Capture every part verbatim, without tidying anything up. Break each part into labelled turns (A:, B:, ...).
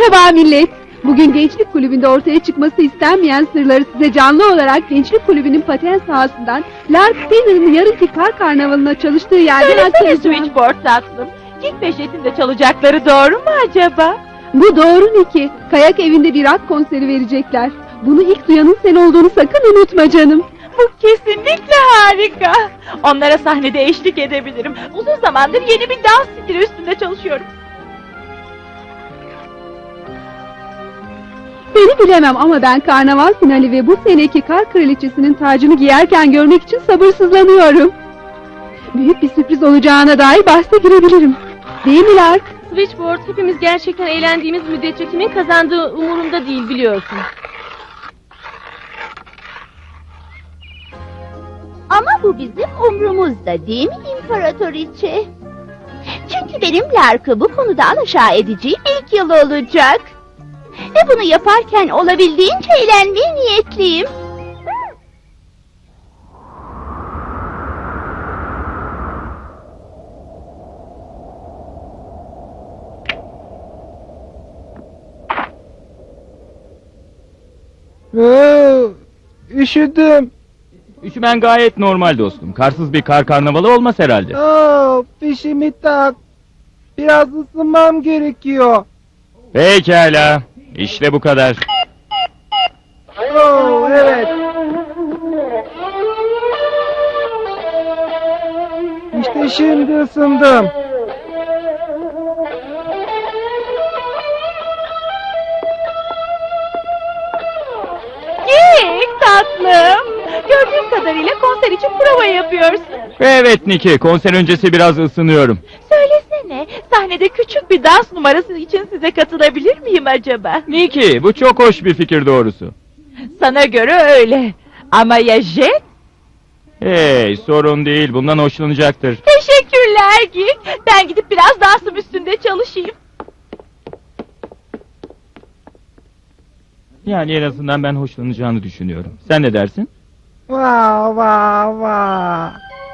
A: Merhaba millet. Bugün Gençlik Kulübü'nde ortaya çıkması istenmeyen sırları size canlı olarak Gençlik Kulübü'nün paten sahasından Lark Spinner'ın yarınki kar karnavalına çalıştığı yerden
B: Söylesene
A: aktaracağım.
B: Switchboard tatlım. King Peşet'in çalacakları doğru mu acaba?
A: Bu doğru Niki. Kayak evinde bir rock konseri verecekler. Bunu ilk duyanın sen olduğunu sakın unutma canım.
B: Bu kesinlikle harika. Onlara sahnede eşlik edebilirim. Uzun zamandır yeni bir dans stili üstünde çalışıyorum.
A: Seni bilemem ama ben karnaval finali ve bu seneki kar kraliçesinin tacını giyerken görmek için sabırsızlanıyorum. Büyük bir sürpriz olacağına dair bahse girebilirim. Değil mi Lark?
C: Switchboard, hepimiz gerçekten eğlendiğimiz müddetçe kimin kazandığı umurumda değil, biliyorsun.
D: Ama bu bizim umrumuzda değil mi İmparatoriçe? Çünkü benim Lark'ı bu konuda alaşağı edeceğim ilk yıl olacak. Ve bunu yaparken olabildiğince eğlenmeye niyetliyim.
E: Aa, üşüdüm.
F: Üşümen gayet normal dostum. Karsız bir kar karnavalı olmaz herhalde.
E: Aa, fişimi tak. Biraz ısınmam gerekiyor.
F: Pekala. İşte bu kadar.
E: Oo, evet. İşte şimdi ısındım.
B: Gik tatlım. Gördüğüm kadarıyla konser için prova yapıyorsun.
F: Evet Niki, konser öncesi biraz ısınıyorum.
B: Söylesene, sahnede küçük bir dans numarası için size katılabilir miyim acaba?
F: Niki, bu çok hoş bir fikir doğrusu.
B: Sana göre öyle. Ama ya Jet?
F: Hey, sorun değil, bundan hoşlanacaktır.
B: Teşekkürler Gik. Ben gidip biraz dansım üstünde çalışayım.
F: Yani en azından ben hoşlanacağını düşünüyorum. Sen ne dersin?
E: Vav vav vav.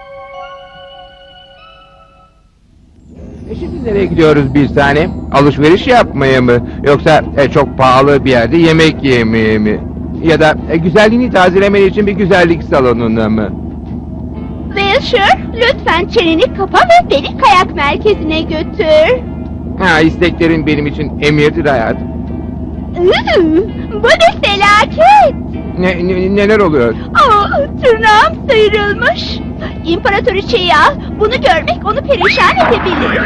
G: E şimdi nereye gidiyoruz bir tane? Alışveriş yapmaya mı? Yoksa e, çok pahalı bir yerde yemek yemeye mi? Ya da e, güzelliğini tazelemen için bir güzellik salonuna mı?
D: Wilshire, lütfen çeneni kapa ve beni kayak merkezine götür.
G: Ha, isteklerin benim için emirdir hayatım.
D: Iı, bu ne felaket!
G: Ne, ne- neler oluyor?
D: Aa, tırnağım sıyrılmış. İmparatoriçeyi al, bunu görmek onu perişan edebilir.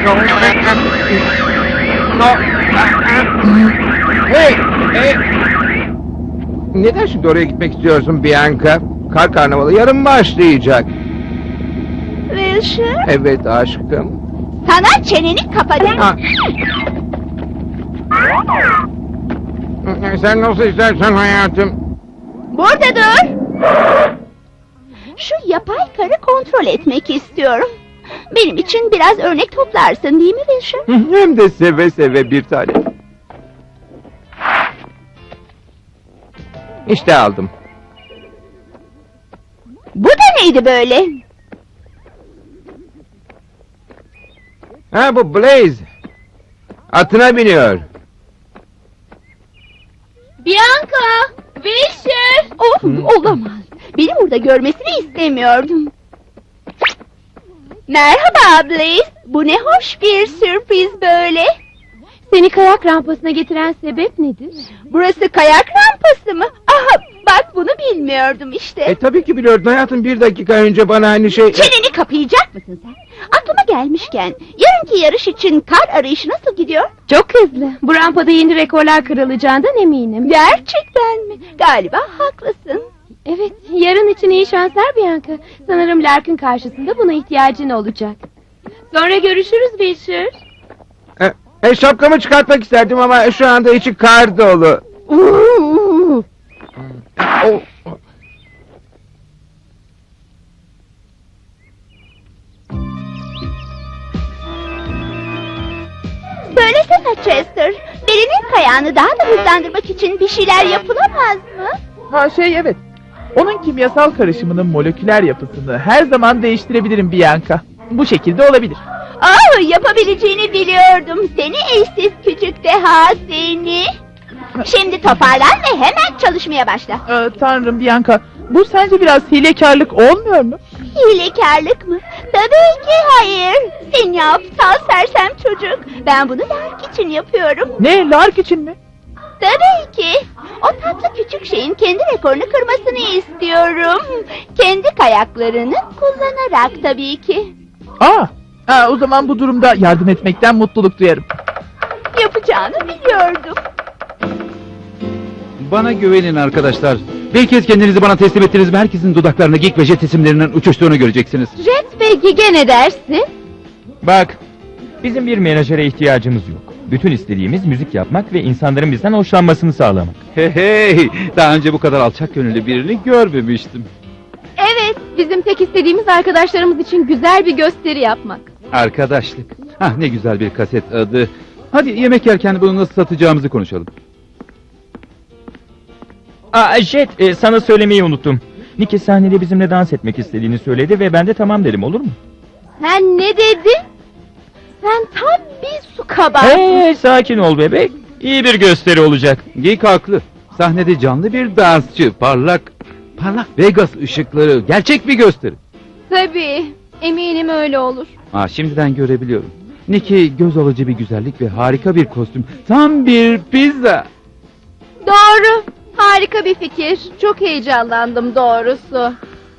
G: Hey! Hey! Neden şimdi oraya gitmek istiyorsun Bianca? Kar karnavalı yarın başlayacak.
D: Wilshire,
G: Evet aşkım.
D: sana çeneni kapa dedim.
G: Ha. Sen nasıl istersen hayatım.
D: Burada dur. Şu yapay karı kontrol etmek istiyorum. Benim için biraz örnek toplarsın değil mi Wilshire?
G: Hem de seve seve bir tane. İşte aldım.
D: Bu da neydi böyle?
G: Ha, bu Blaze. Atına biniyor.
D: Bianca! Wilshire! Oh, olamaz. Beni burada görmesini istemiyordum. Merhaba Blaze. Bu ne hoş bir sürpriz böyle.
C: Seni kayak rampasına getiren sebep nedir?
D: Burası kayak rampası mı? Aha, bak bunu bilmiyordum işte.
G: E tabii ki biliyordun hayatım, bir dakika önce bana aynı şey...
D: Çeneni kapayacak mısın sen? Aklıma gelmişken, yarınki yarış için kar arayışı nasıl gidiyor?
C: Çok hızlı. Bu rampada yeni rekorlar kırılacağından eminim.
D: Gerçekten mi? Galiba haklısın.
C: Evet, yarın için iyi şanslar Bianca. Sanırım Lark'ın karşısında buna ihtiyacın olacak. Sonra görüşürüz Wilshire.
G: E, e, şapkamı çıkartmak isterdim ama şu anda içi kar dolu.
D: Uuu.
G: O-
D: Söylesene Chester, birinin kayağını daha da hızlandırmak için bir şeyler yapılamaz mı?
H: Ha şey evet. Onun kimyasal karışımının moleküler yapısını her zaman değiştirebilirim Bianca. Bu şekilde olabilir.
D: Oh, yapabileceğini biliyordum. Seni eşsiz küçük deha seni. Şimdi toparlan ve hemen çalışmaya başla.
H: Ee, tanrım Bianca, bu sence biraz hilekarlık olmuyor mu?
D: Hilekarlık mı? Tabii ki hayır. Seni aptal sersem çocuk. Ben bunu Lark için yapıyorum.
H: Ne, Lark için mi?
D: Tabii ki. O tatlı küçük şeyin kendi rekorunu kırmasını istiyorum. Kendi kayaklarını kullanarak tabii ki.
H: Aa, ha, o zaman bu durumda yardım etmekten mutluluk duyarım.
D: Yapacağını biliyordum.
I: Bana güvenin arkadaşlar. Bir kez kendinizi bana teslim ettiniz mi herkesin dudaklarında Geek ve Jet isimlerinin uçuştuğunu göreceksiniz.
C: Jet ve Gige ne dersin?
F: Bak, bizim bir menajere ihtiyacımız yok. Bütün istediğimiz müzik yapmak ve insanların bizden hoşlanmasını sağlamak.
I: Hey hey, daha önce bu kadar alçak gönüllü birini görmemiştim.
C: Evet, bizim tek istediğimiz arkadaşlarımız için güzel bir gösteri yapmak.
I: Arkadaşlık. Hah, ne güzel bir kaset adı. Hadi yemek yerken bunu nasıl satacağımızı konuşalım.
F: Aa Jet, e, sana söylemeyi unuttum. Nicky sahnede bizimle dans etmek istediğini söyledi ve ben de tamam dedim, olur mu?
C: Sen ne dedin? Sen tam bir su kabağı.
F: Hey, sakin ol bebek. İyi bir gösteri olacak.
I: Geek haklı. Sahnede canlı bir dansçı, parlak, parlak Vegas ışıkları, gerçek bir gösteri.
C: Tabii, eminim öyle olur.
I: Aa, şimdiden görebiliyorum. Nicky göz alıcı bir güzellik ve harika bir kostüm. Tam bir pizza.
C: Doğru, harika bir fikir. Çok heyecanlandım doğrusu.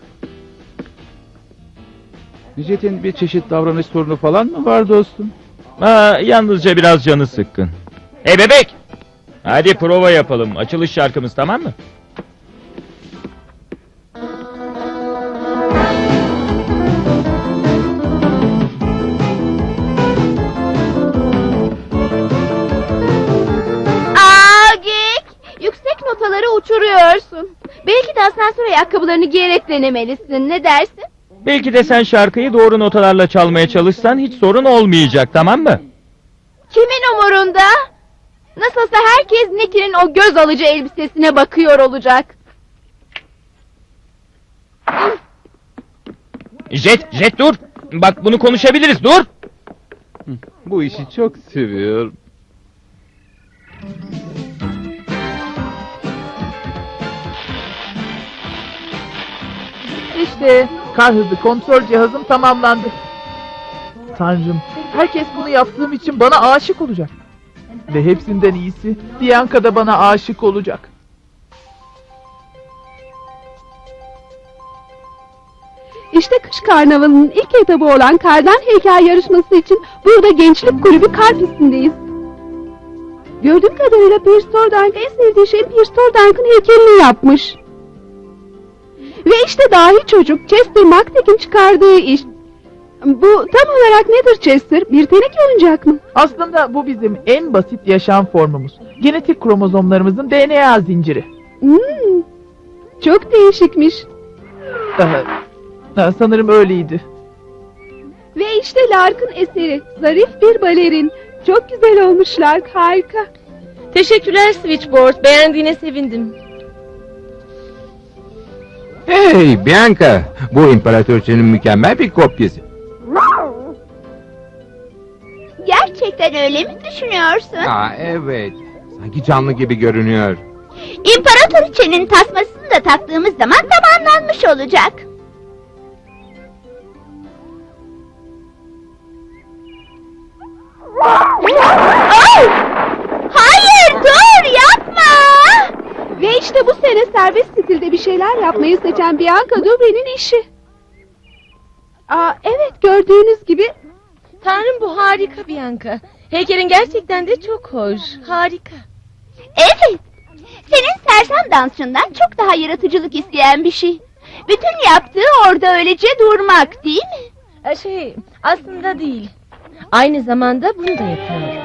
I: Jet'in bir çeşit davranış sorunu falan mı var dostum?
F: Aa, yalnızca biraz canı sıkkın. Hey bebek! Hadi prova yapalım. Açılış şarkımız, tamam mı?
C: Aa Gek! Yüksek notaları uçuruyorsun. Belki de asansör ayakkabılarını giyerek denemelisin. Ne dersin?
F: Belki de sen şarkıyı doğru notalarla çalmaya çalışsan hiç sorun olmayacak, tamam mı?
C: Kimin umurunda? Nasılsa herkes Nicky'nin o göz alıcı elbisesine bakıyor olacak.
F: Jet, Jet dur! Bak bunu konuşabiliriz, dur!
I: Bu işi çok seviyorum.
H: İşte kar hızı kontrol cihazım tamamlandı. Tanrım, herkes bunu yaptığım için bana aşık olacak. Ve hepsinden iyisi, Bianca da bana aşık olacak.
A: İşte kış karnavalının ilk etabı olan kardan heykel yarışması için burada gençlik kulübü kar pistindeyiz. Gördüğüm kadarıyla Pierce Tordank en sevdiği şey Pierce Tordank'ın heykelini yapmış. Ve işte dahi çocuk Chester McTagg'in çıkardığı iş. Bu tam olarak nedir Chester? Bir teneke oyuncak mı?
H: Aslında bu bizim en basit yaşam formumuz. Genetik kromozomlarımızın D N A zinciri.
A: Hmm, çok değişikmiş.
H: Ee, sanırım öyleydi.
A: Ve işte Lark'ın eseri. Zarif bir balerin. Çok güzel olmuş Lark, harika.
C: Teşekkürler Switchboard, beğendiğine sevindim.
G: Hey Bianca, bu imparatoriçenin mükemmel bir kopyası.
D: Gerçekten öyle mi düşünüyorsun?
G: Aa evet, sanki canlı gibi görünüyor.
D: İmparatoriçenin tasmasını da taktığımız zaman tamamlanmış olacak. Oh! Hayır, dur, yapma!
A: Ve işte bu sene serbest stilde bir şeyler yapmayı seçen Bianca Dubre'nin işi. Aa, evet, gördüğünüz gibi
C: Tanrım, bu harika Bianca. Heykelin gerçekten de çok hoş, harika.
D: Evet, senin sersem dansçından çok daha yaratıcılık isteyen bir şey. Bütün yaptığı orada öylece durmak, değil mi?
C: Şey, aslında değil. Aynı zamanda bunu da yapıyor.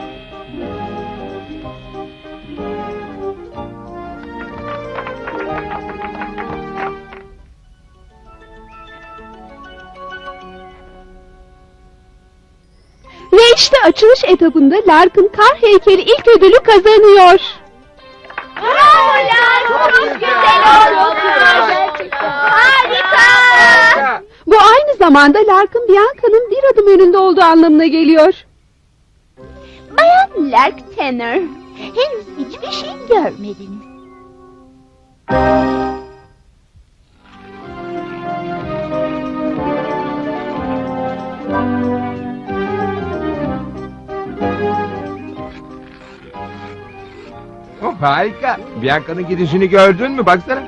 A: ve işte açılış etabında Lark'ın kar heykeli ilk ödülü kazanıyor.
D: Bravo Lark, çok güzel oldu. Harika!
A: Bu aynı zamanda Lark'ın Bianca'nın bir adım önünde olduğu anlamına geliyor.
D: Bayan Lark Tanner, henüz hiçbir şey görmediniz.
G: Oh, harika. Bianca'nın gidişini gördün mü? Baksana.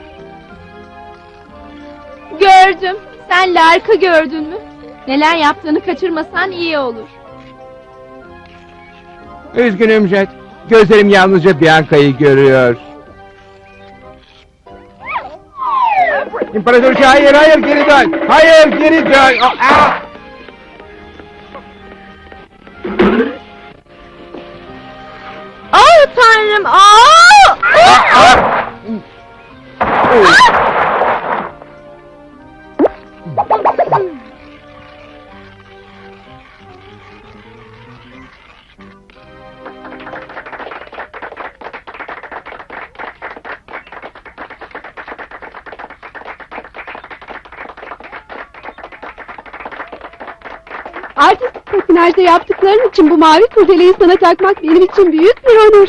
C: Gördüm. Sen Lark'ı gördün mü? Neler yaptığını kaçırmasan iyi olur.
G: Üzgünüm Jet. Gözlerim yalnızca Bianca'yı görüyor. İmparatoriçe hayır hayır geri dön. Hayır geri dön. Oh, ah!
C: Oh tanrım! Aa!
G: Ah, ah! Oh.
A: Artistik patinajda yaptıkların için bu mavi kurdeleyi sana takmak benim için büyük bir onur.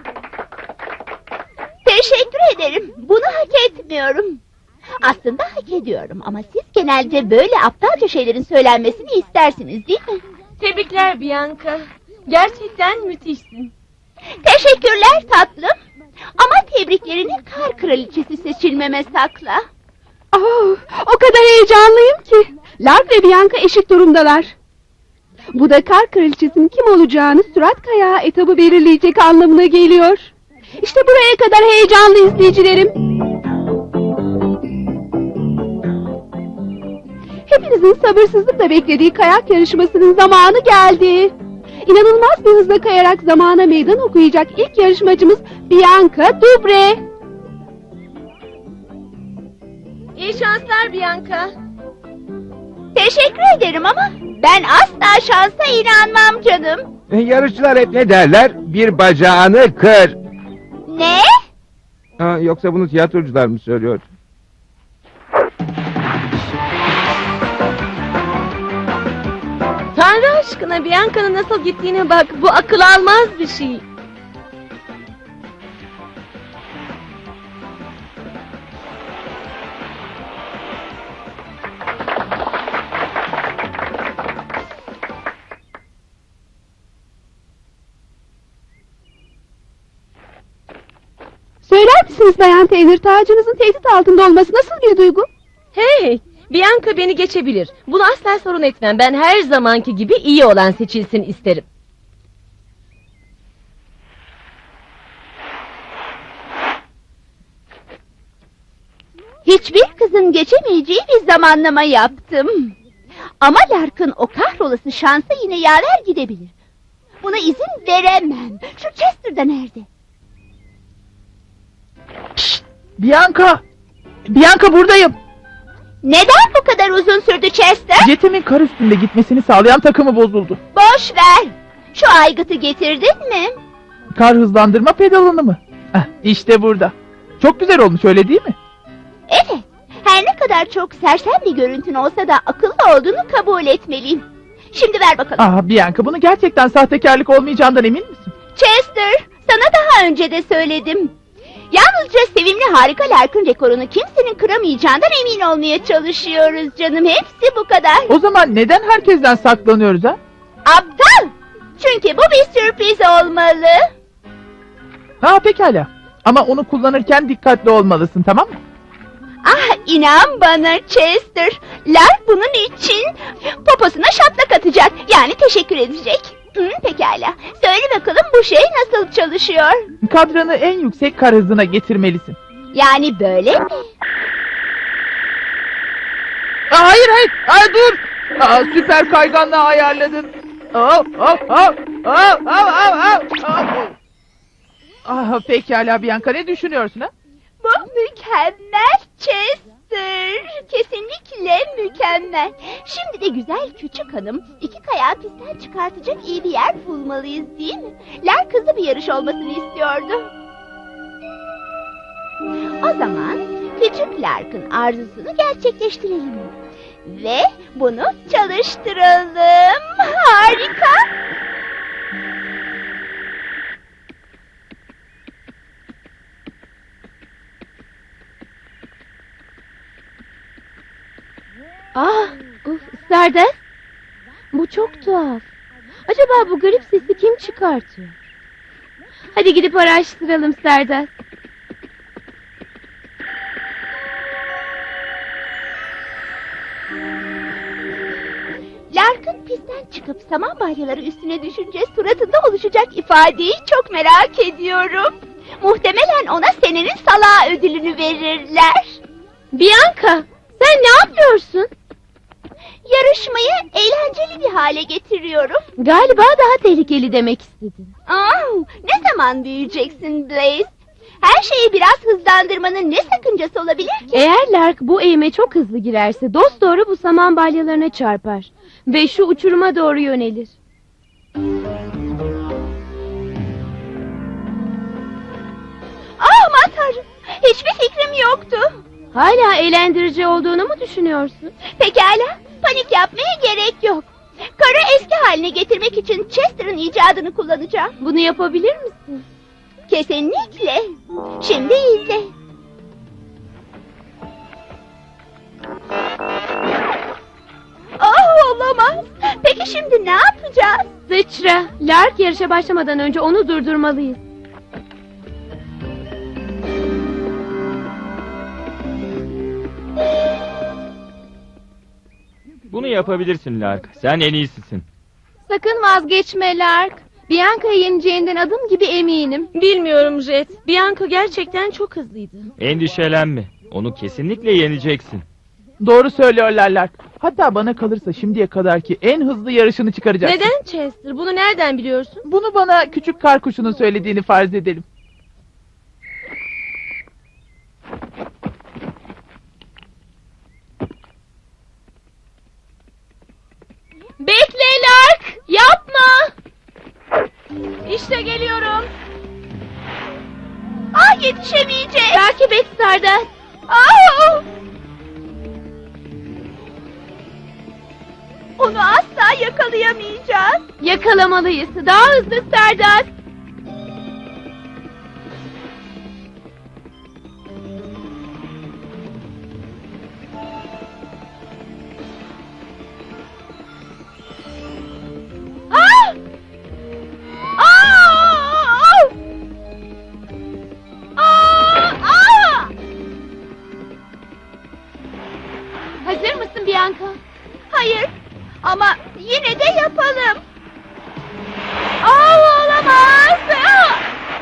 D: Teşekkür ederim. Bunu hak etmiyorum. Aslında hak ediyorum ama siz genelde böyle aptalca şeylerin söylenmesini istersiniz değil mi?
C: Tebrikler Bianca. Gerçekten müthişsin.
D: Teşekkürler tatlım. Ama tebriklerini kar kraliçesi seçilmeme sakla.
A: Oh, o kadar heyecanlıyım ki. Lark ve Bianca eşit durumdalar. Bu da kar kraliçesinin kim olacağını sürat kayağı etabı belirleyecek anlamına geliyor. İşte buraya kadar heyecanlı izleyicilerim. Hepinizin sabırsızlıkla beklediği kayak yarışmasının zamanı geldi. İnanılmaz bir hızla kayarak zamana meydan okuyacak ilk yarışmacımız Bianca Dubre.
C: İyi şanslar Bianca.
D: Teşekkür ederim ama ben asla şansa inanmam canım.
G: Yarışçılar hep ne derler? Bir bacağını kır.
D: Ne?
G: Ha, yoksa bunu tiyatrocular mı söylüyor?
C: Tanrı aşkına Bianca'nın nasıl gittiğine bak. Bu akıl almaz bir şey.
A: Söyler misiniz Bayan Taylor, tacınızın tehdit altında olması nasıl bir duygu?
J: Hey, Bianca beni geçebilir. Bunu asla sorun etmem. Ben her zamanki gibi iyi olan seçilsin isterim.
D: Hiçbir kızın geçemeyeceği bir zamanlama yaptım. Ama Lark'ın o kahrolası şansa yine yaver gidebilir. Buna izin veremem. Şu Chester da nerede?
H: Bianca! Bianca buradayım.
D: Neden bu kadar uzun sürdü Chester?
H: Jetimin kar üstünde gitmesini sağlayan takımı bozuldu.
D: Boş ver. Şu aygıtı getirdin mi?
H: Kar hızlandırma pedalını mı? Ah, işte burada. Çok güzel olmuş öyle değil mi?
D: Evet. Her ne kadar çok sersem bir görüntün olsa da akıllı olduğunu kabul etmeliyim. Şimdi ver bakalım.
H: Ah Bianca, bunu gerçekten sahtekarlık olmayacağından emin misin?
D: Chester, sana daha önce de söyledim. Yalnızca sevimli harika Lark'ın rekorunu kimsenin kıramayacağından emin olmaya çalışıyoruz canım. Hepsi bu kadar.
H: O zaman neden herkesten saklanıyoruz ha?
D: Aptal! Çünkü bu bir sürpriz olmalı.
H: Ha pekala. Ama onu kullanırken dikkatli olmalısın, tamam mı?
D: Ah, inan bana Chester. Lark bunun için poposuna şaplak atacak. Yani teşekkür edecek. Hı, pekala. Söyle bakalım bu şey nasıl çalışıyor?
H: Kadranı en yüksek kar hızına getirmelisin.
D: Yani böyle mi?
H: Aa, hayır hayır. Aa, dur. Aa, süper kayganlığı ayarladın. Aa, aa, aa, aa, aa, aa, aa. Ah, pekala Bianca, ne düşünüyorsun ha?
D: Bu mükemmel Chester. Kesinlikle mükemmel. Şimdi de güzel küçük hanım iki kayağı pistten çıkartacak iyi bir yer bulmalıyız değil mi? Lark hızlı bir yarış olmasını istiyordu. O zaman küçük Lark'ın arzusunu gerçekleştirelim. Ve bunu çalıştıralım. Harika.
C: Ah, uf, Stardust. Bu çok tuhaf. Acaba bu garip sesi kim çıkartıyor? Hadi gidip araştıralım Stardust.
D: Lark'ın pistten çıkıp saman balyaları üstüne düşünce suratında oluşacak ifadeyi çok merak ediyorum. Muhtemelen ona senenin salağı ödülünü verirler.
C: Bianca, sen ne yapıyorsun?
D: Yarışmayı eğlenceli bir hale getiriyorum.
C: Galiba daha tehlikeli demek istedin.
D: Aa, ne zaman büyüyeceksin Blaze? Her şeyi biraz hızlandırmanın ne sakıncası olabilir ki?
C: Eğer Lark bu eğime çok hızlı girerse dosdoğru bu saman balyalarına çarpar. Ve şu uçuruma doğru yönelir.
D: Aa, aman tanrım. Hiçbir fikrim yoktu.
C: Hala eğlendirici olduğunu mu düşünüyorsun?
D: Pekala, panik yapmaya gerek yok. Karı eski haline getirmek için Chester'ın icadını kullanacağım.
C: Bunu yapabilir misin?
D: Kesinlikle. Şimdi izle. Oh, olamaz. Peki şimdi ne yapacağız?
C: Sıçra, Lark yarışa başlamadan önce onu durdurmalıyız.
F: Bunu yapabilirsin Lark. Sen en iyisisin.
C: Sakın vazgeçme Lark. Bianca'yı yeneceğinden adım gibi eminim.
J: Bilmiyorum Jet. Bianca gerçekten çok hızlıydı.
F: Endişelenme. Onu kesinlikle yeneceksin.
H: Doğru söylüyorlar Lark. Hatta bana kalırsa şimdiye kadarki en hızlı yarışını çıkaracaksın.
J: Neden Chester? Bunu nereden biliyorsun?
H: Bunu bana küçük kar kuşunun söylediğini farz edelim.
C: Bekle Lark! Yapma! İşte geliyorum.
D: Ah, yetişemeyeceğim.
C: Takip et Stardust.
D: Ah! Onu asla yakalayamayacağız.
C: Yakalamalıyız. Daha hızlı Stardust.
D: Ah! Ah! Ah! Ah!
C: Hazır mısın Bianca?
D: Hayır, ama yine de yapalım. Ah, olamaz. Ah!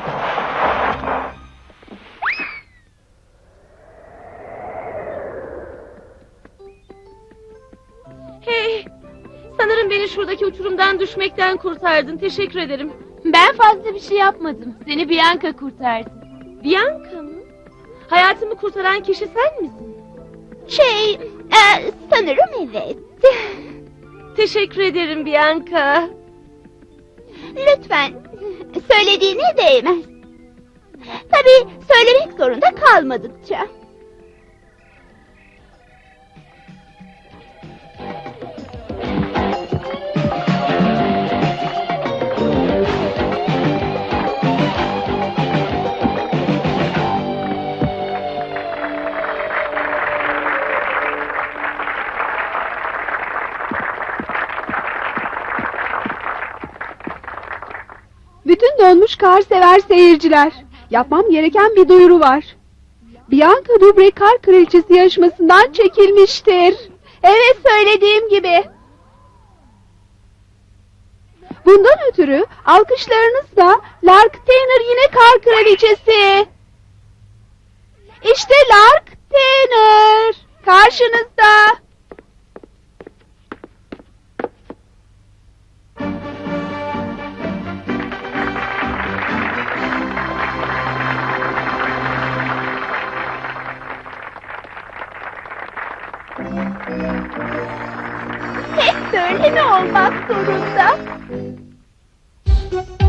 J: Hey! Sanırım beni şuradaki uçurumdan düşmekten kurtardın. Teşekkür ederim.
C: Ben fazla bir şey yapmadım. Seni Bianca kurtardı.
J: Bianca mı? Hayatımı kurtaran kişi sen misin?
D: Şey, e, sanırım evet.
J: Teşekkür ederim Bianca.
D: Lütfen, söylediğine değmez. Tabii söylemek zorunda kalmadıkça.
A: Bütün donmuş kar sever seyirciler. Yapmam gereken bir duyuru var. Bianca Dubre Kar Kraliçesi yarışmasından çekilmiştir. Evet, söylediğim gibi. Bundan ötürü alkışlarınızla Lark Tanner yine Kar Kraliçesi. İşte Lark Tanner karşınızda.
D: Hep böyle mi olmak zorunda?